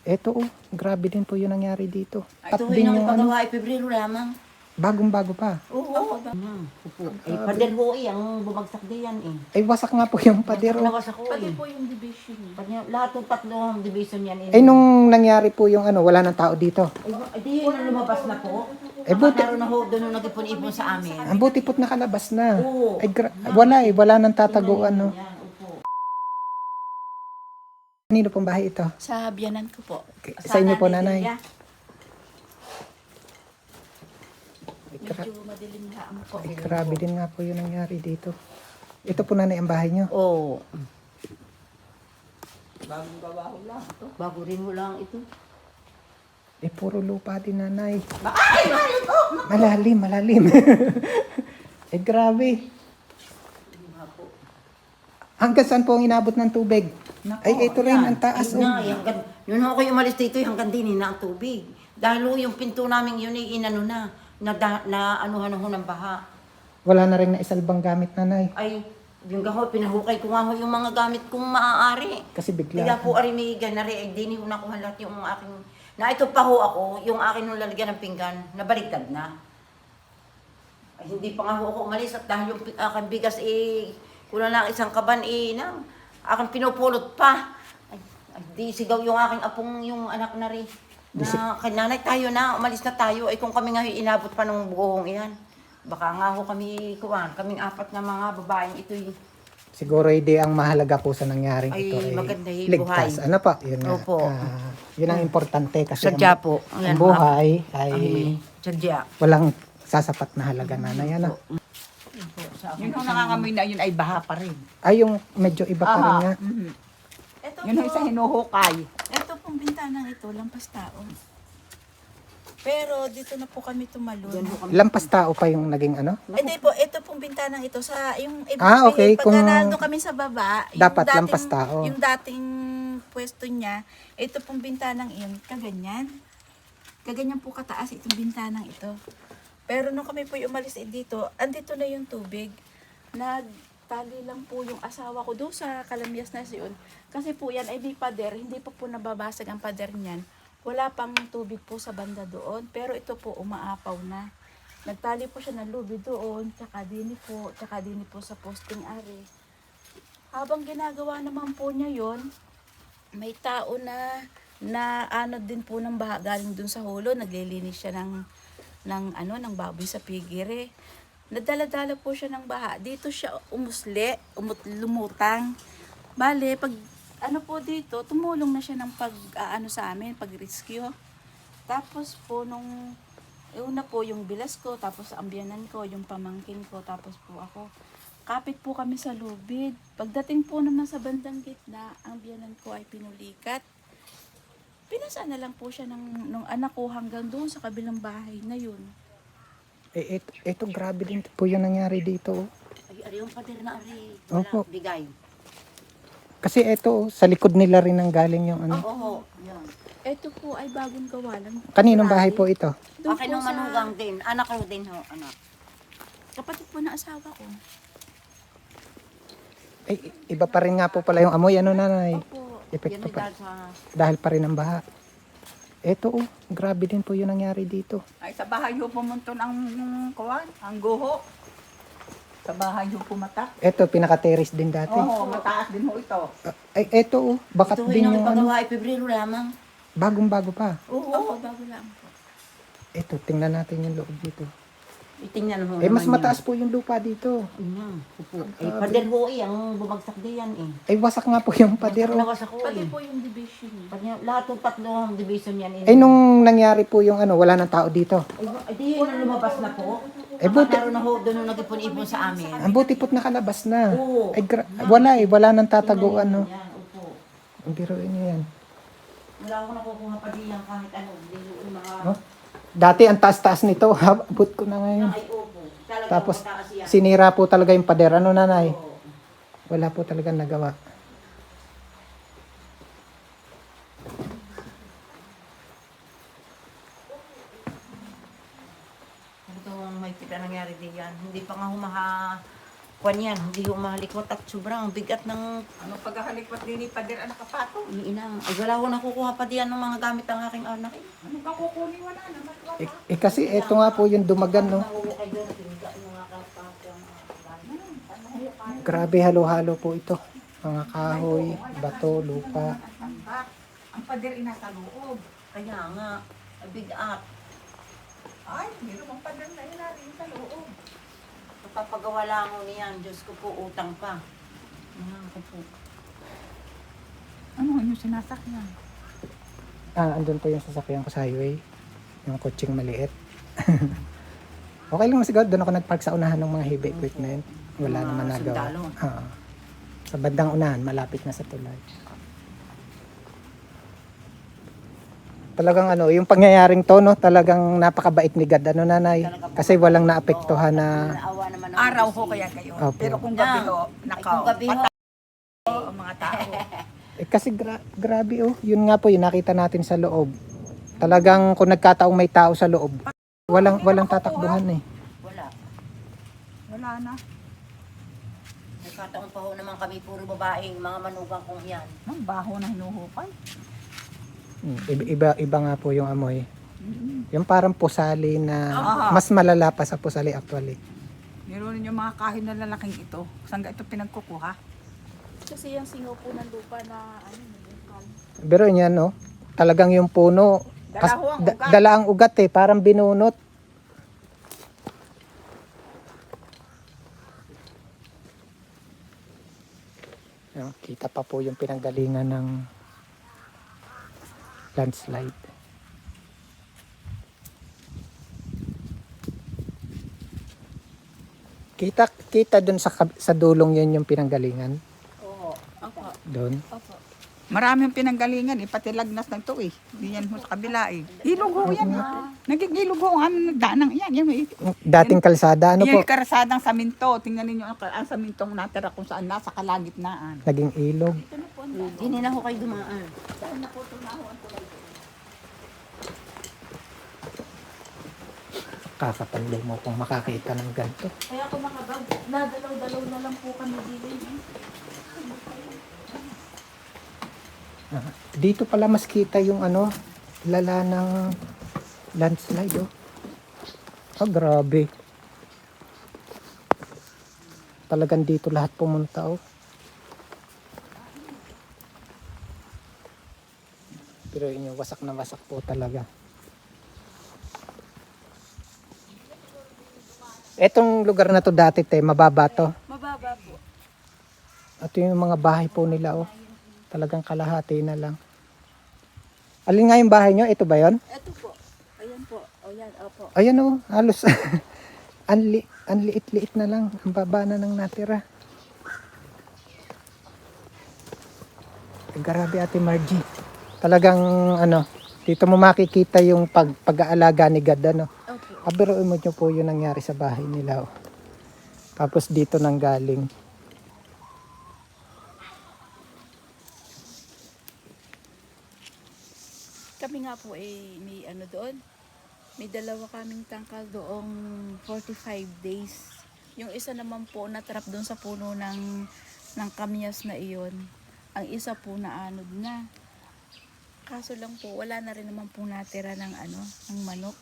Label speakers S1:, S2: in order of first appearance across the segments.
S1: Eto grabe din po yung nangyari dito.
S2: Ito
S1: At din
S2: yung
S1: yung ano,
S2: pagawa ay Pebrero lamang.
S1: bagong-bago pa.
S2: Oo. Upo. Ay, pader ho ang bumagsak diyan eh.
S1: Ay wasak nga po yung pader.
S2: Nawas ako
S3: Pati
S2: eh.
S3: po yung division niya.
S2: Lahat ng tatlong division yan.
S1: Ay nung nangyari po yung ano, wala nang tao dito.
S2: Ay, di yun ang lumabas na po.
S1: Eh, buti-
S2: Naroon na ho, doon nung nag-ipon-ipon sa amin.
S1: Ang buti po't nakalabas na.
S2: Oo.
S1: Ay wala nang tataguan no.
S2: Yan, upo.
S1: Kanino pong bahay ito?
S3: Sa biyanan ko po.
S1: Sa inyo po, nanay?
S2: Lilia.
S3: Medyo madilim na ang po.
S1: Ay grabe din nga po yung nangyari dito. Ito po nanay ang bahay nyo.
S2: Oo. Bagong gawa ho lang ito. Bago rin ho lang ito.
S1: Eh puro lupa din nanay.
S2: Ay!
S1: Malalim. Eh grabe. Hanggang saan po ang inabot ng tubig? Ay ito rin, ang taas.
S2: Ayun na, yun ako yung umalis dito, hanggang din na ang tubig. Dahil ho, yung pinto namin yun ay inano na anuhan ho ng baha.
S1: Wala na rin na isalbang gamit nanay.
S2: Ay, yung gaho, pinahukay ko nga ho yung mga gamit kong maaari.
S1: Kasi
S2: Kaya
S1: bigla.
S2: po ari may ganari, ay dini ho nakuha lahat yung aking, na ito pa ho ako, yung akin nung lalagyan ng pinggan, nabaligtad na. Ay, hindi pa nga ho ako umalis at dahil yung aking bigas kulang lang isang kaban nang aking pinupulot pa. Ay, di sigaw yung aking apong yung anak na rin. Na kay nanay tayo na, umalis na tayo. Ay kung kami nga inabot pa ng buhong iyan. Baka nga ho kaming apat na mga babaeng ito'y.
S1: Siguro hindi ang mahalaga po sa nangyaring
S2: Ay,
S1: ito.
S2: maganda yung
S1: ligtas.
S2: buhay.
S1: Ano pa? Yun nga.
S2: Opo.
S1: Yun ang importante kasi
S2: Sadya po.
S1: ang buhay ay
S2: Sadya.
S1: walang sasapat na halaga nanay. Ano?
S4: Yun ang nangangamoy na yun ay baha pa rin.
S1: Ay yung medyo iba pa rin nga.
S3: Ito
S4: Yun ang
S3: po,
S4: isa hinuhukay.
S3: ito pong bintanang ito, lampas tao. Pero dito na po kami tumalon.
S1: Lampas tao pa yung naging ano?
S3: Hindi po, ito pong bintanang ito sa yung
S1: Okay,
S3: pag
S1: kung
S3: nandun kami sa baba,
S1: dapat lampas tao.
S3: Yung dating pwesto niya, ito pong bintanang iyon, kaganyan. Kaganyan po kataas itong bintanang ito. Pero nung kami po umalis dito, andito na yung tubig. Nagtali lang po yung asawa ko doon sa Kalamyas na siyon. Kasi po yan ay may pader, hindi pa po nababasag ang pader niyan. Wala pang tubig po sa banda doon, pero ito po umaapaw na. Nagtali po siya ng lubid doon, tsaka dini po sa posting ari. Habang ginagawa naman po niya yon, may tao na ano din po ng baha galing dun sa hulo, naglilinis siya ng baboy sa pigire. Nadala-dala po siya ng baha. Dito siya lumutang. Bale, pag ano po dito, tumulong na siya ng sa amin, pag-rescue. Tapos po nung una po yung bilas ko, tapos ang biyanan ko, yung pamangkin ko, tapos po ako. Kapit po kami sa lubid. Pagdating po naman sa bandang gitna, ang biyanan ko ay pinulikat. Pinasaan na lang po siya nung anak ko hanggang doon sa kabilang bahay na yun.
S1: Eh, ito grabe din po yung nangyari dito.
S2: Ay, yung pader na ari.
S1: Opo.
S2: Wala, bigay.
S1: Kasi ito, sa likod nila rin ang galing yung ano.
S2: Oo, yan.
S3: Ito po ay bagong gawa lang.
S1: Kaninong bahay po ito?
S3: Doon
S2: Akin
S3: po
S2: nung manugang din. Anak ko din ho, anak.
S3: kapatid po na asawa ko.
S1: Ay, iba pa rin nga po pala yung amoy. Ano nanay?
S3: Opo.
S1: Epekto
S2: Yan ay
S1: pa.
S2: dahil sa...
S1: Dahil pa rin ang baha. Ito grabe din po yung nangyari dito.
S4: Ay sa bahay ho pumunton ang kuwan, ang guho. Sa bahay ho pumatak.
S1: Ito, pinaka-terrace din dati.
S4: Oo, mataas din ho ito.
S1: Ay, ito bakat
S2: Ito
S1: din
S2: yung
S1: yung ano.
S2: pagawa ay Pebrero lamang.
S1: Bagong-bago pa.
S3: Oo, bago lang po.
S1: Ito, tingnan natin yung loob dito.
S2: Itingnan mo
S1: Eh, mas
S2: naman
S1: mataas po yung lupa dito.
S2: yan. Upo. Ay, pader ho ang bumagsak diyan eh.
S1: Ay, wasak nga po yung pader.
S2: Nawas ako
S3: Pati
S2: eh.
S3: po yung division niya.
S2: Lahat ng tatlong division yan eh.
S1: Ay, nung nangyari po yung ano, wala nang tao dito.
S2: Ay, di yun ang lumabas na po.
S1: Eh, buti,
S2: Naroon na ho, doon nung nag-ipon-ipon sa amin.
S1: ang buti po't nakalabas na.
S2: Oo.
S1: Ay, wala nang tataguan, no.
S2: Yan, upo.
S1: Ang biruin niyo yan.
S2: Wala akong nakukuha pa diyan kahit ano. Hindi yung mga...
S1: Oh. Dati, ang taas-taas nito. Abot ko na ngayon.
S2: Ay, upo. Talagang
S1: Tapos,
S2: mataas yan.
S1: sinira po talaga yung pader. Ano, nanay?
S2: Oo.
S1: Wala po talaga nagawa.
S2: Ito ang may kita nangyari diyan. Hindi pa nga Kwan yan, hindi ho mahalikot at sobrang bigat ng
S4: Ano paghahalikwat din ni Pader ang nakapato?
S2: iniinang. Ay, wala ko nakukuha pa diyan ng mga gamit ng aking anak.
S4: Ano ba kukunin? Wala naman.
S1: Kasi ito nga po yung dumagan, no? Grabe, halo-halo po ito. Mga kahoy, bato, lupa.
S4: Tambak. Ang Pader ay nasa loob.
S2: Kaya nga, bigat.
S4: Ay, meron ang Pader na ilalim sa loob.
S2: Papagawa lang ako niyan. Diyos ko po, utang pa. Mga ko po.
S4: Ano yung sinasakyan?
S1: Andun po yung sasakyan ko sa highway. Yung kutsing maliit. Okay lang siguro. Doon ako nagpark sa unahan ng mga heavy equipment. Wala
S2: Mga
S1: naman nagawa.
S2: sundalo.
S1: Sa bandang unahan, malapit na sa tulay. Talagang ano, yung pangyayaring to, no, talagang napakabait ni God, ano nanay? Kasi walang naapektuhan na,
S2: Naawa naman ako.
S4: Araw ho kaya kayo.
S1: Opo.
S4: Pero kung gabi ho,
S2: Ay,
S4: nakaw.
S2: kung gabi ho,
S4: Ang mga tao.
S1: kasi grabe oh, yun nga po, yung nakita natin sa loob. Talagang kung nagkataong may tao sa loob, walang tatakbuhan eh.
S2: wala.
S4: Wala na.
S2: Nagkataon pa ho naman kami, puro babaeng, mga manugang kong yan.
S4: Ang baho na hinuhukay.
S1: Iba nga po yung amoy. Yung parang pusali na mas malala pa sa pusali actually.
S4: Meron yung mga kahoy na lalaking ito. Saan ga ito pinagkukuha?
S3: Kasi yung singaw po ng lupa na ano, nilungkal.
S1: Pero yan no, talagang yung puno,
S4: Dala ho ang ugat.
S1: dala ang ugat eh, parang binunot. Ayan, kita pa po yung pinanggalingan ng landslide. Kita dun sa dulong yun yung pinanggalingan.
S2: Oo.
S3: Opo.
S1: Doon.
S3: Opo.
S4: Maraming pinanggalingan eh, pati lagnas ng to eh. Hindi yan ho sa kabila eh. Ilog ho yan eh. Nagigilog ho ang aming nagdaanang yan. Yan,
S1: Dating kalsada, ano
S4: yan
S1: po,
S4: yung karasadang saminto. Tingnan ninyo ang samintong natira kung saan nasa kalagitnaan.
S1: naging ilog.
S2: Hindi na ho kayo dumaan.
S1: Kakapanda mo kung makakita ng ganito.
S3: Kaya kung makabag, nadalaw-dalaw na lang po kami dito.
S1: Dito pala mas kita yung ano, lala ng landslide oh. Grabe. Talagang dito lahat pumunta oh. Pero inyo, wasak na wasak po talaga. Etong lugar na to dati mababa to.
S3: Mababa po.
S1: At yung mga bahay po nila oh. Talagang kalahati na lang. Alin nga yung bahay nyo? Ito ba yon?
S3: Ito po. Ayan po. O yan, opo.
S1: Ayan oh, halos ang liit-liit na lang. Ang baba na ng natira. Grabe Ate Margie. Talagang ano, dito mo makikita yung pag-aalaga ni God ano.
S3: Opo.
S1: Biruin mo nyo po yung nangyari sa bahay nila oh. Tapos dito nang galing.
S3: Kami nga po may ano doon. May dalawa kaming tangkal doong 45 days. Yung isa naman po natrap doon sa puno ng kamyas na iyon. Ang isa po na anod na. Kaso lang po, wala na rin naman po natira ng ano, ng manok.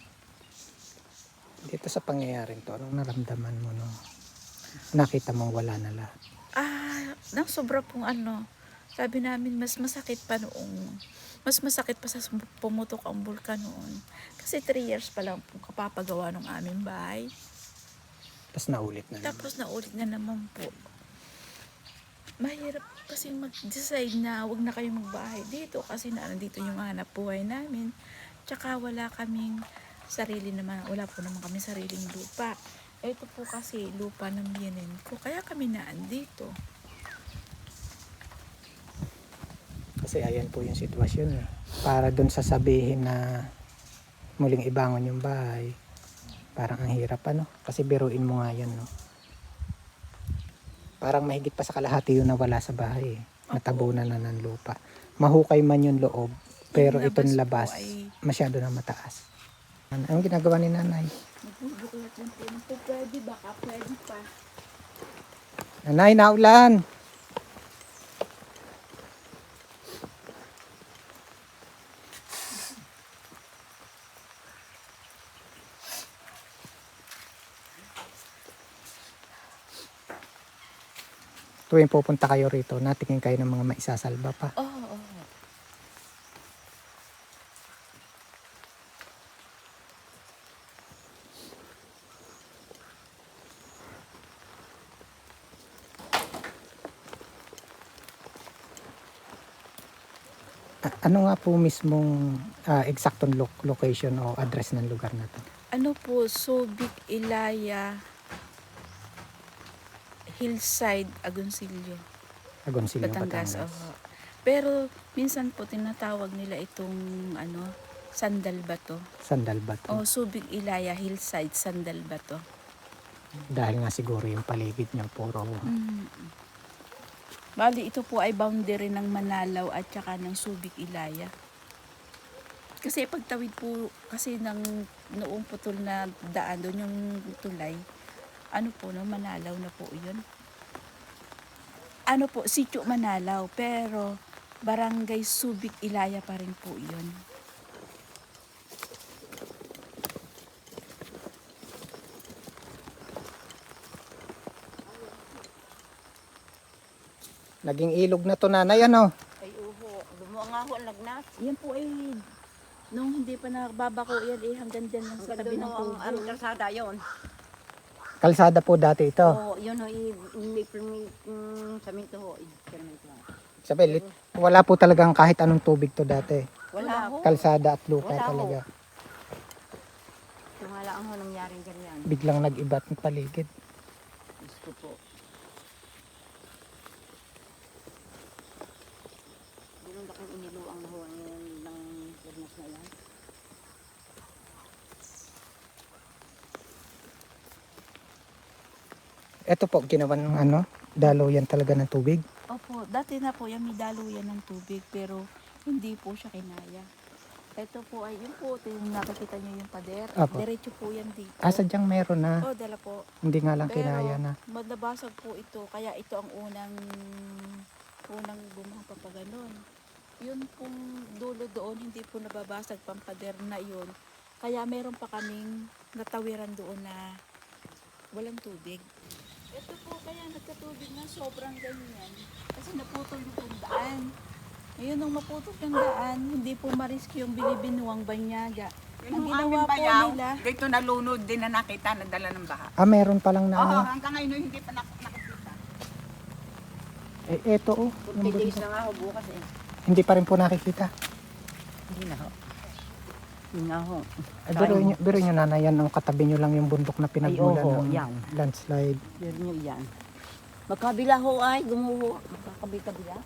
S1: Dito sa pangyayaring to, anong naramdaman mo no? Nakita mong wala na lahat.
S3: Nang sobra pong ano, sabi namin mas masakit pa sa pumutok ang bulkan noon. Kasi 3 years pa lang po kapapagawa ng aming bahay.
S1: Tapos naulit na naman.
S3: Tapos naulit na naman po. Mahirap kasi mag-decide na wag na kayo magbahay dito kasi nandito yung hanap buhay namin. Tsaka wala kaming sarili naman, wala po naman kami sariling lupa. Ito po kasi lupa ng biyenin ko, kaya kami naandito.
S1: Kasi ayan po yung sitwasyon eh. Para dun sasabihin na muling ibangon yung bahay. Parang ang hirap ano. Kasi biruin mo nga yan no. Parang mahigit pa sa kalahati yung nawala sa bahay eh. Natabunan na ng lupa. Mahukay man yung loob. Pero
S3: Yung
S1: itong
S3: labas
S1: labas,
S3: po ay-
S1: masyado na mataas. Ang ginagawa ni nanay?
S3: Magbubuklat lang po. Pwede, baka pwede pa.
S1: Nanay, naulan. Tuwing pupunta kayo rito, natingin kayo ng mga maisasalba pa.
S3: Oo, oo.
S1: Ano nga po mismong eksaktong location o address ng lugar na to?
S3: Ano po, Subic, Ilaya, Hillside, Agoncillo,
S1: Agoncillo,
S3: Batangas.
S1: Batangas.
S3: Oo. Pero minsan po tinatawag nila itong Sandal Bato.
S1: Sandal ba to?
S3: O Subic, Ilaya, Hillside, Sandal Bato.
S1: Dahil nga siguro yung paligid niya puro
S3: Bali, ito po ay boundary ng Manalaw at saka ng Subic, Ilaya. Kasi pagtawid po kasi ng noong putol na daan doon yung tulay, ano po no, Manalaw na po yun. Ano po, Sitio Manalaw, pero Barangay Subic, Ilaya pa rin po yun.
S1: naging ilog na to, nanay, ano?
S2: Ay, uho. Lumuang nga ho ang lagnat.
S3: Yan po ay nung hindi pa nakababako yan hanggang dyan lang sa tabi ng
S2: ang
S3: tubig.
S2: kalsada yun.
S1: Kalsada po dati ito.
S2: Oo, yun ho, may saminto ho. Saminto ho.
S1: Sabi, wala po talagang kahit anong tubig to dati.
S2: Wala ho.
S1: Kalsada at lupa
S2: Wala ho.
S1: talaga.
S2: Wala ang ho nangyaring ganyan.
S1: Biglang nag-ibat ng paligid.
S2: Diyos ko po. Ganun laking iniluang na ho ng urnas na yan.
S1: Ito po, ginawa ng daluyan talaga ng tubig.
S3: Opo, dati na po yan may daluyan ng tubig pero hindi po siya kinaya. Ito po ay yun po, nakikita niyo yung pader.
S1: Apo.
S3: Diretso po yan dito.
S1: Sadyang meron na.
S3: Oh, dala po.
S1: Hindi nga lang
S3: Pero
S1: kinaya na.
S3: nabasag po ito, kaya ito ang unang bumang papaganon. Yun pong dulo doon, hindi po nababasag pampader na yun. Kaya meron pa kaming natawiran doon na walang tubig. Ito po kaya nagkatubig na sobrang ganyan. Kasi naputol yung daan. Ngayon nung maputol yung daan, hindi po mariski yung Bilibinuang Banyaga. Ang
S4: Yung
S3: ginawa
S4: aming
S3: po
S4: bayaw,
S3: nila,
S4: dito nalunod din na nakita na dala ng baha.
S1: Meron palang na
S4: Oo, hanggang ngayon hindi pa nakikita.
S1: eto oh. Yung
S2: 40 days
S1: bundok.
S2: na nga ho bukas eh.
S1: Hindi pa rin po nakikita.
S2: Hindi na ho. Hindi na ho.
S1: Biro nyo nanay, yan ang katabi nyo lang yung bundok na pinagmulan
S2: Ay, oho,
S1: ng
S2: yan.
S1: landslide.
S2: Meron nyo yan. Magkabila ho ay, gumuho. Magkakabila.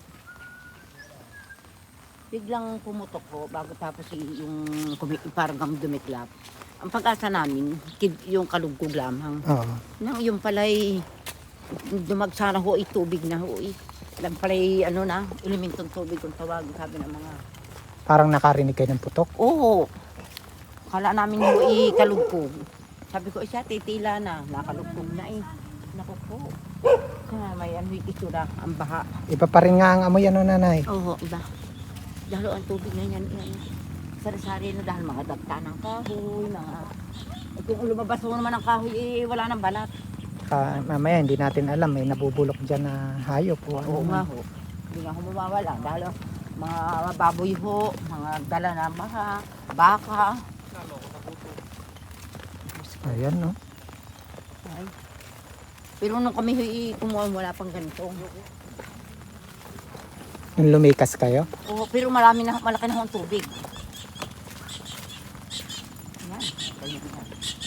S2: Biglang pumutok ho bago tapos yung parang dumiklap. Ang pag-asa namin, yung kalugkog lamang.
S1: Oo.
S2: Nang yung pala'y dumagsara ho, tubig na ho. Lang pala'y elementong tubig kung tawagin sabi ng mga.
S1: Parang nakarinig kayo ng putok.
S2: Oo. Kala namin ho kalugkog. Sabi ko, siya titila na. Nakalugkog na eh. Naku po. May itsura, ang baha.
S1: Iba pa rin nga ang amoy nanay.
S2: Oo, iba. Dahil ang tubig na yan, sari-sari na dahil mga dagta ng kahoy, mga. At kung lumabas mo naman ang kahoy, wala nang balat.
S1: Mamaya hindi natin alam, may nabubulok dyan na hayop o ano.
S2: Oo nga ho. Hindi nga ho mawawala. Dahil mga baboy ho, mga dala na mga baka.
S1: Ayan no.
S2: Ay. Pero nung kami kumuha, wala pang ganito.
S1: Yung lumikas kayo.
S2: Oo, pero malaki na ho ang tubig. Yan, ganyan yan.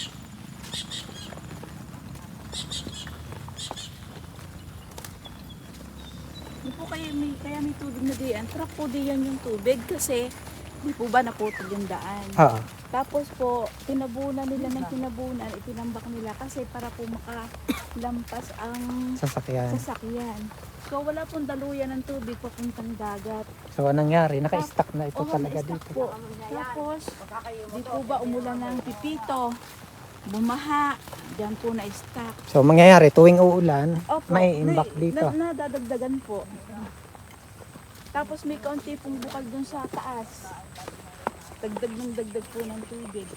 S3: Di po kaya may tubig na diyan. Truck po diyan yung tubig kasi di po ba naputol yung daan.
S1: Oo.
S3: Tapos po, tinabunan nila ng tinabunan, itinambak nila kasi para po makalampas ang
S1: Sasakyan.
S3: sasakyan. So wala pong daluyan ng tubig papuntang dagat.
S1: So anong nangyari? Naka-stack na ito
S3: Oo,
S1: talaga
S3: na-stuck
S1: dito.
S3: po. Tapos, di po ba umulan ng pipito? bumaha, diyan po na-stack.
S1: So mangyayari tuwing uulan,
S3: Opo,
S1: may imbak dito.
S3: Nadadagdagan po. Tapos may kaunti pong bukal dun sa taas. Dagdag ng dagdag po ng tubig.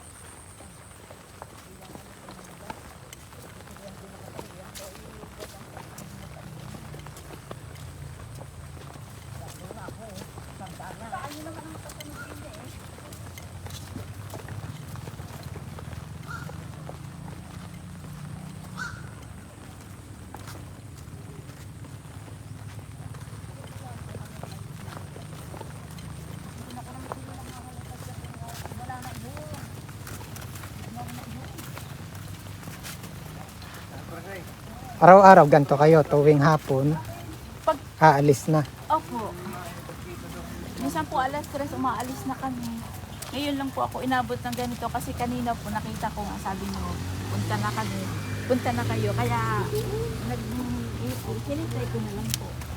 S1: Araw-araw ganito kayo, tuwing hapon,
S3: Pag-
S1: aalis na.
S3: Opo. Minsan po alas 3 umaalis na kami. Ngayon lang po ako inabot ng ganito kasi kanina po nakita ko nga sabi niyo, punta na kami. Punta na kayo. Kaya hinintay ko na lang po.